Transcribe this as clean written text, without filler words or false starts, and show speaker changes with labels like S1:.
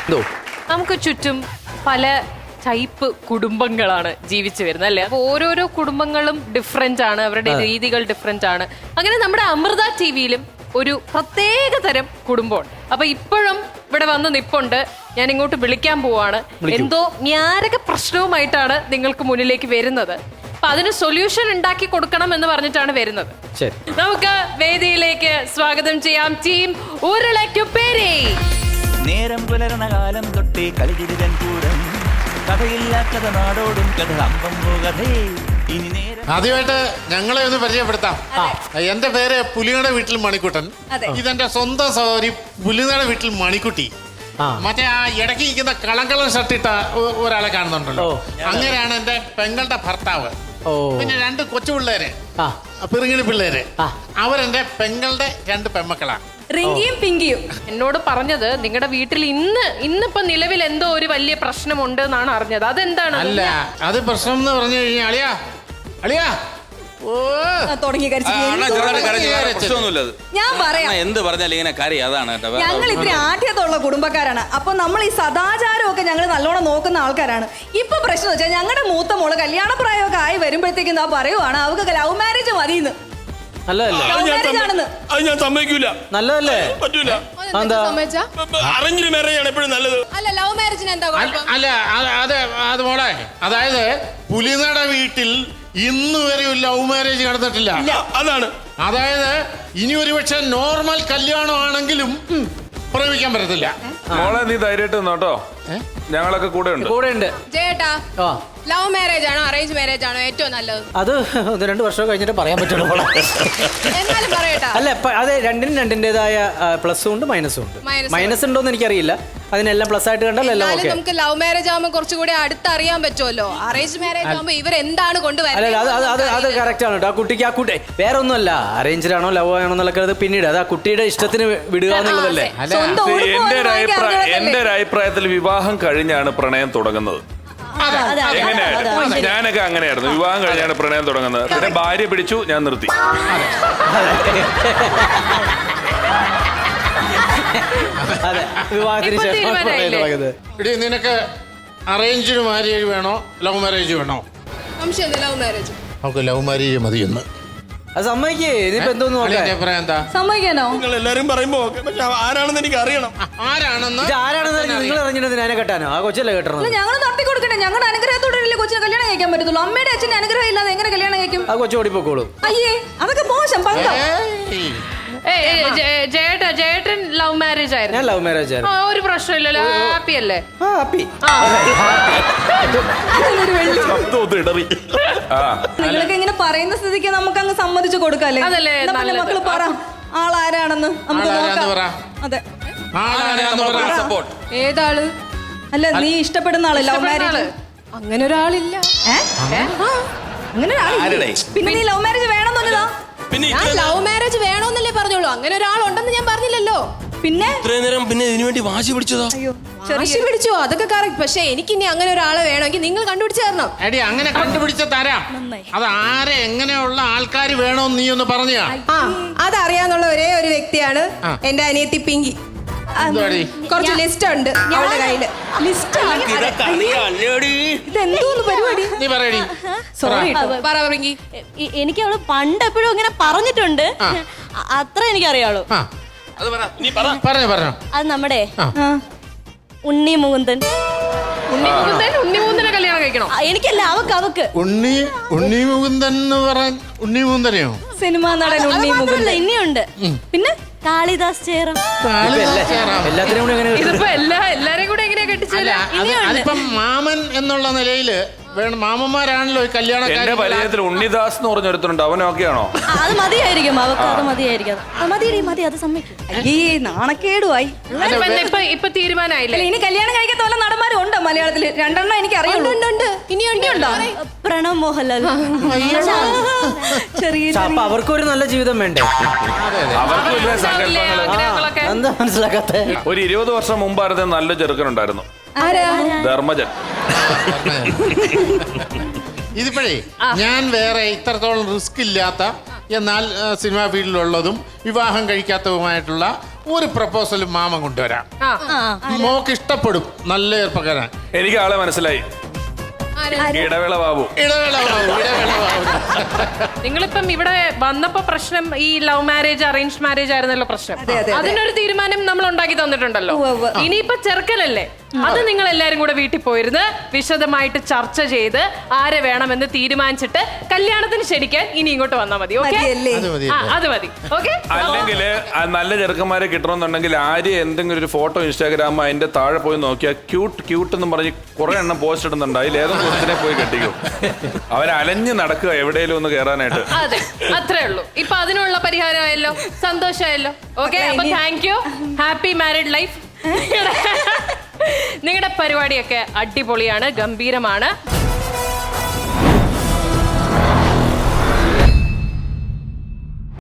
S1: നമുക്ക് ചുറ്റും പല ടൈപ്പ് കുടുംബങ്ങളാണ് ജീവിച്ചു വരുന്നത് അല്ലെ. അപ്പൊ ഓരോരോ കുടുംബങ്ങളും ഡിഫറെന്റ് ആണ്, അവരുടെ രീതികൾ ഡിഫറെന്റ് ആണ്. അങ്ങനെ നമ്മുടെ അമൃത ടിവിയിലും ഒരു പ്രത്യേക തരം കുടുംബമുണ്ട്. അപ്പൊ ഇപ്പോഴും ഇവിടെ വന്ന് നിപ്പുണ്ട്. ഞാൻ ഇങ്ങോട്ട് വിളിക്കാൻ പോവാണ്. എന്തോ ഞാരക പ്രശ്നവുമായിട്ടാണ് നിങ്ങൾക്ക് മുന്നിലേക്ക് വരുന്നത്. അപ്പൊ അതിന് സൊല്യൂഷൻ ഉണ്ടാക്കി കൊടുക്കണം എന്ന് പറഞ്ഞിട്ടാണ് വരുന്നത്. നമുക്ക് വേദിയിലേക്ക് സ്വാഗതം ചെയ്യാം ടീം ഉരുളയ്ക്കുപ്പേരി.
S2: നേരം പുലർന്ന കാലം തൊട്ടേ കളിതിരിതൻ കൂടം കഥയില്ലാത്ത നാടോടും കഥ അമ്പമ്പോ കഥേ. ഇനി നേരം
S3: ആദ്യമായിട്ട് ഞങ്ങളെ ഒന്ന് പരിചയപ്പെടുത്താം. എന്റെ പേര് പുലിയുടെ വീട്ടിൽ മണിക്കുട്ടൻ. ഇതെന്റെ സ്വന്തം സഹോദരി പുലിയുടെ വീട്ടിൽ മണിക്കുട്ടി. മറ്റേ ആ ഇടയ്ക്ക് ഇരിക്കുന്ന കളങ്കളം ഷർട്ടിട്ട ഒരാളെ കാണുന്നുണ്ടല്ലോ, അങ്ങനെയാണ് എന്റെ പെങ്ങളുടെ ഭർത്താവ്. പിന്നെ 2 കൊച്ചു പിള്ളേര്, പിറുങ്ങിണി പിള്ളേര്, അവരെന്റെ പെങ്ങളുടെ 2 പെമ്മക്കളാണ്,
S1: റിങ്കിയും പിങ്കിയും. എന്നോട് പറഞ്ഞത് നിങ്ങളുടെ വീട്ടിൽ ഇന്നിപ്പോ നിലവിൽ എന്തോ ഒരു വലിയ പ്രശ്നമുണ്ട് എന്നാണ് അറിഞ്ഞത്. അതെന്താണ്?
S3: അല്ല, അത് പ്രശ്നം എന്ന് പറഞ്ഞു കഴിഞ്ഞാൽ അളിയാ അളിയാ
S4: ഞാൻ പറയാം,
S5: എന്ത് പറഞ്ഞാലും ഇങ്ങനെ കാര്യം അതാണ്.
S4: ഞങ്ങൾ ഇത്തിരി ആഠ്യത്തുള്ള കുടുംബക്കാരാണ്. അപ്പൊ നമ്മൾ ഈ സദാചാരമൊക്കെ ഞങ്ങൾ നല്ലോണം നോക്കുന്ന ആൾക്കാരാണ്. ഇപ്പൊ പ്രശ്നം വെച്ചാൽ ഞങ്ങളുടെ മൂത്ത മോള് കല്യാണപ്രായമൊക്കെ ആയി വരുമ്പോഴത്തേക്കും ഞാൻ പറയുവാണ് അവർക്ക് ലവ് മാരേജ് മതിയെന്ന്.
S6: ഞാൻ സമ്മതിക്കൂല.
S7: നല്ലതല്ലേ?
S6: പറ്റൂല. അറേഞ്ച് മാരേജ് ആണ് എപ്പോഴും നല്ലത്.
S1: അല്ല, ലവ് മാരേജിന് എന്താ?
S3: അല്ല അത് മോളെ, അതായത് പുലിനട വീട്ടിൽ ഇന്ന് വരെ ഒരു ലവ് മാരേജ് നടന്നിട്ടില്ല.
S6: അതാണ്.
S3: അതായത് ഇനി ഒരുപക്ഷെ നോർമൽ കല്യാണം ആണെങ്കിലും പ്രേമിക്കാൻ പറ്റത്തില്ല.
S8: മോളെ നീ ധൈര്യമായിട്ട് നിന്നോട്ടോ, ഞങ്ങളൊക്കെ കൂടെ ഉണ്ട്.
S1: ചേട്ടാ, ലവ് മാരേജ് ആണോ അറേഞ്ച് മാരേജ് ആണോ ഏറ്റവും നല്ലത്?
S7: അത് 1-2 വർഷം കഴിഞ്ഞിട്ട് പറയാൻ പറ്റുള്ളൂ.
S1: എന്നാലും പറയട്ടാ.
S7: അല്ല, അത് രണ്ടിൻ്റെതായ പ്ലസും ഉണ്ട് മൈനസും ഉണ്ട്. മൈനസ് ഉണ്ടോന്ന് എനിക്കറിയില്ല. അതിനെല്ലാം പ്ലസ് ആയിട്ട് കണ്ടാൽ എല്ലാം ഓക്കെ.
S1: നമുക്ക് ലവ് മാരേജ് ആകുമ്പോൾ കുറച്ചുകൂടി അടുത്തറിയാൻ പറ്റുമല്ലോ. അറേഞ്ച് മാരേജ് ആകുമ്പോൾ ഇവരെന്താണ് കൊണ്ടുവരുന്നത്?
S7: അത് കറക്റ്റ് ആണ് കേട്ടോ. ആ കുട്ടി വേറെ ഒന്നുമല്ല, അറേഞ്ച്ഡ് ആണോ ലവ് ആണോ എന്നുള്ളത് പിന്നീട് അത് ആ കുട്ടിയുടെ ഇഷ്ടത്തിന് വിടുക എന്നുള്ളതല്ലേ.
S8: എന്റെ ഒരു അഭിപ്രായത്തിൽ വിവാഹം കഴിഞ്ഞാണ് പ്രണയം തുടങ്ങുന്നത്. എങ്ങനെയാണ്? ഞാനൊക്കെ അങ്ങനെയായിരുന്നു. വിവാഹം കഴിഞ്ഞാണ് പ്രണയം തുടങ്ങുന്നത്. പിന്നെ ഭാര്യ പിടിച്ചു, ഞാൻ നിർത്തി.
S3: നിനക്ക് അറേഞ്ച്ഡ് മാരേജ് വേണോ ലവ് മാരേജ് വേണോ? നമുക്ക് ലവ് മാരേജ് മതിയെന്ന്.
S7: അത് സമ്മതിക്കേ. ഇനിയിപ്പോ എന്തോന്ന്
S4: സമ്മതിക്കാനോ?
S6: നിങ്ങൾ എല്ലാരും പറയുമ്പോ പക്ഷെ ആരാണെന്ന് എനിക്ക് അറിയണം.
S3: ആരാണെന്ന്
S7: നിങ്ങൾ അറിഞ്ഞിട്ട് അതിനെ കെട്ടാനോ? ആ കൊച്ചല്ലേ കെട്ടണം.
S4: ഞങ്ങൾ തട്ടി കൊടുക്കണ്ടേ? ഞങ്ങളുടെ അനുഗ്രഹത്തോടെ കൊച്ചിനെ കല്യാണം കഴിക്കാൻ പറ്റത്തുള്ളൂ. അമ്മയുടെ അച്ഛന്റെ അനുഗ്രഹം ഇല്ലാതെ എങ്ങനെ കല്യാണം കഴിക്കും?
S7: ആ കൊച്ചു ഓടിപ്പോക്കോളൂ.
S4: അയ്യേ, അതൊക്കെ മോശം.
S1: ജേട്ടൻ ലവ് മാരേജ് ആയിരുന്നു.
S7: ഞാൻ ലവ് മാരേജ് ആയിരുന്നു.
S1: ഒരു പ്രശ്നമില്ലല്ലോ, ഹാപ്പി അല്ലേ?
S4: നിങ്ങളൊക്കെ ഇങ്ങനെ പറയുന്ന സ്ഥിതിക്ക് നമുക്ക് അങ്ങ് സമ്മതിച്ചു കൊടുക്കല്ലേ? മക്കള് പറ ആളാരാണെന്ന് നമുക്ക് നോക്കാം. അതെ,
S1: ഏതാള്?
S4: അല്ല, നീ ഇഷ്ടപ്പെടുന്ന ആള് ലവ് മാരേജ്?
S1: അങ്ങനെ ഒരാളില്ല.
S4: അങ്ങനെ പിന്നെ നീ ലവ് മാരേജ് വേണമെന്നല്ലോ.
S1: ഞാൻ ലവ് മാരേജ് വേണമെന്നല്ലേ പറഞ്ഞോളൂ. അങ്ങനെ ഒരാളുണ്ടെന്ന് ഞാൻ പറഞ്ഞില്ലല്ലോ.
S4: പിന്നെ
S6: ഇത്രയും നേരം പിന്നെ ഇതിനു വേണ്ടി വാശി പിടിച്ചതോ?
S1: വാശി പിടിച്ചോ? അതൊക്കെ കറക്റ്റ്. പക്ഷെ എനിക്ക് ഇനി അങ്ങനെ ഒരാളെ വേണമെങ്കിൽ നിങ്ങൾ കണ്ടുപിടിച്ച് തരണം.
S3: എടി, അങ്ങനെ കണ്ടുപിടിച്ച തരാം. അത് ആരെ എങ്ങനെയുള്ള ആൾക്കാർ വേണോന്ന് നീ ഒന്ന് പറഞ്ഞാ.
S1: അതറിയാന്നുള്ള ഒരേ ഒരു വ്യക്തിയാണ് എന്റെ അനിയത്തി പിങ്കി. കുറച്ച് ലിസ്റ്റ് ഉണ്ട് അവളുടെ കയ്യില്.
S4: ഇതെന്തോന്ന് പരിപാടി?
S3: നീ പറയടി.
S1: പറ പിങ്കി.
S9: എനിക്ക് അവള് പണ്ട് എപ്പോഴും ഇങ്ങനെ പറഞ്ഞിട്ടുണ്ട്. അത്ര എനിക്കറിയാളൂ.
S3: പറഞ്ഞോ.
S9: അത് നമ്മുടെ ഉണ്ണി മുകുന്ദൻ.
S1: ഉണ്ണിമുകുന്ദനെ കല്യാണം കഴിക്കണോ?
S9: എനിക്കല്ല, അവക്ക്.
S3: ഉണ്ണി മുകുന്ദൻ എന്ന് പറഞ്ഞ ഉണ്ണി മുകുന്ദനെയോ?
S4: സിനിമാ നടൻ ഉണ്ണി മുകുന്ദൻ.
S9: ഇനിയുണ്ട്. പിന്നെ കാളിദാസ് ചേരം.
S7: എല്ലാത്തിനും കൂടെ
S1: ഇതിപ്പോ എല്ലാരെയും കൂടെ എങ്ങനെയാ കെട്ടിച്ചല്ല?
S3: അതിപ്പം മാമൻ എന്നുള്ള നിലയില് വേണം. മാമന്മാരാണല്ലോ ഈ കല്യാണം.
S8: എന്റെ പരിചയത്തിൽ ഉണ്ണിദാസ് എന്ന് പറഞ്ഞൊരുത്തരുണ്ട്. അവൻ ഓക്കെയാണോ?
S9: അത് മതിയായിരിക്കും അവക്ക്. അത് മതിയായിരിക്കും. മതി, അത് സമ്മതിക്കും.
S4: അയ്യേ, നാണക്കേടുമായി.
S1: ഇപ്പൊ തീരുമാനമായില്ലേ?
S4: ഇനി കല്യാണം കഴിക്കാത്ത വല്ല നടന്മാരും ഉണ്ടോ മലയാളത്തിൽ? 2 എനിക്ക് അറിയുള്ളൂ.
S1: ഇനിയുണ്ടോ?
S9: പ്രണവ് മോഹൻലാൽ.
S7: അപ്പൊ അവർക്കൊരു നല്ല ജീവിതം വേണ്ടേ?
S8: അവർക്ക് വലിയ സങ്കല്പങ്ങൾ.
S7: എന്താ മനസ്സിലാക്കാത്ത?
S8: ഒരു 20 വർഷം മുമ്പായിരുന്നു നല്ല ചെറുക്കനുണ്ടായിരുന്നു, ധർമ്മജൻ.
S3: ഇതിപ്പോഴേ ഞാൻ വേറെ ഇത്രത്തോളം റിസ്ക് ഇല്ലാത്ത എന്നാൽ സിനിമാ ഫീൽഡിലുള്ളതും വിവാഹം കഴിക്കാത്തതുമായിട്ടുള്ള ഒരു പ്രപ്പോസൽ മാമൻ കൊണ്ടുവരാം. മോക്ക് ഇഷ്ടപ്പെടും. നല്ല ചെറുപ്പക്കാരൻ.
S8: എനിക്ക് ആളെ മനസ്സിലായി. ഇടവേള ബാബു.
S1: നിങ്ങളിപ്പം ഇവിടെ വന്നപ്പോ പ്രശ്നം ഈ ലവ് മാരേജ് അറേഞ്ച് മാരേജ് ആയിരുന്നല്ലോ പ്രശ്നം. അതിനൊരു തീരുമാനം നമ്മൾ ഉണ്ടാക്കി തന്നിട്ടുണ്ടല്ലോ. ഇനിയിപ്പോ ചെറുക്കലല്ലേ, അത് നിങ്ങൾ എല്ലാരും കൂടെ വീട്ടിൽ പോയിരുന്ന് വിശദമായിട്ട് ചർച്ച ചെയ്ത് ആരെ വേണമെന്ന് തീരുമാനിച്ചിട്ട് കല്യാണത്തിന് ശരിക്കാൻ ഇനി ഇങ്ങോട്ട് വന്നാൽ മതി. ഓക്കെ, അത് മതി. ഓക്കെ.
S8: അല്ലെങ്കിൽ നല്ല ചെറുക്കന്മാരെ കിട്ടണമെന്നുണ്ടെങ്കിൽ ആര്യ എന്തെങ്കിലും ഒരു ഫോട്ടോ ഇൻസ്റ്റാഗ്രാം അതിന്റെ താഴെ പോയി നോക്കിയാൽ ക്യൂട്ട് എന്ന് പറഞ്ഞ് കുറെ എണ്ണം പോസ്റ്റ് ഇടുന്നുണ്ട്. അതിൽ ഏതെങ്കിലും കുറിച്ചിനെ പോയി കെട്ടിക്കും. അവൻ അലഞ്ഞു നടക്കുക എവിടെയെങ്കിലും ഒന്ന് കയറാനായിട്ട്.
S1: അതെ, അത്രേ ഉള്ളൂ. ഇപ്പൊ അതിനുള്ള പരിഹാരമായല്ലോ, സന്തോഷമായല്ലോ. ഓക്കെ, അപ്പൊ thank you. Happy married life. നിങ്ങളുടെ പരിപാടിയൊക്കെ അടിപൊളിയാണ്, ഗംഭീരമാണ്.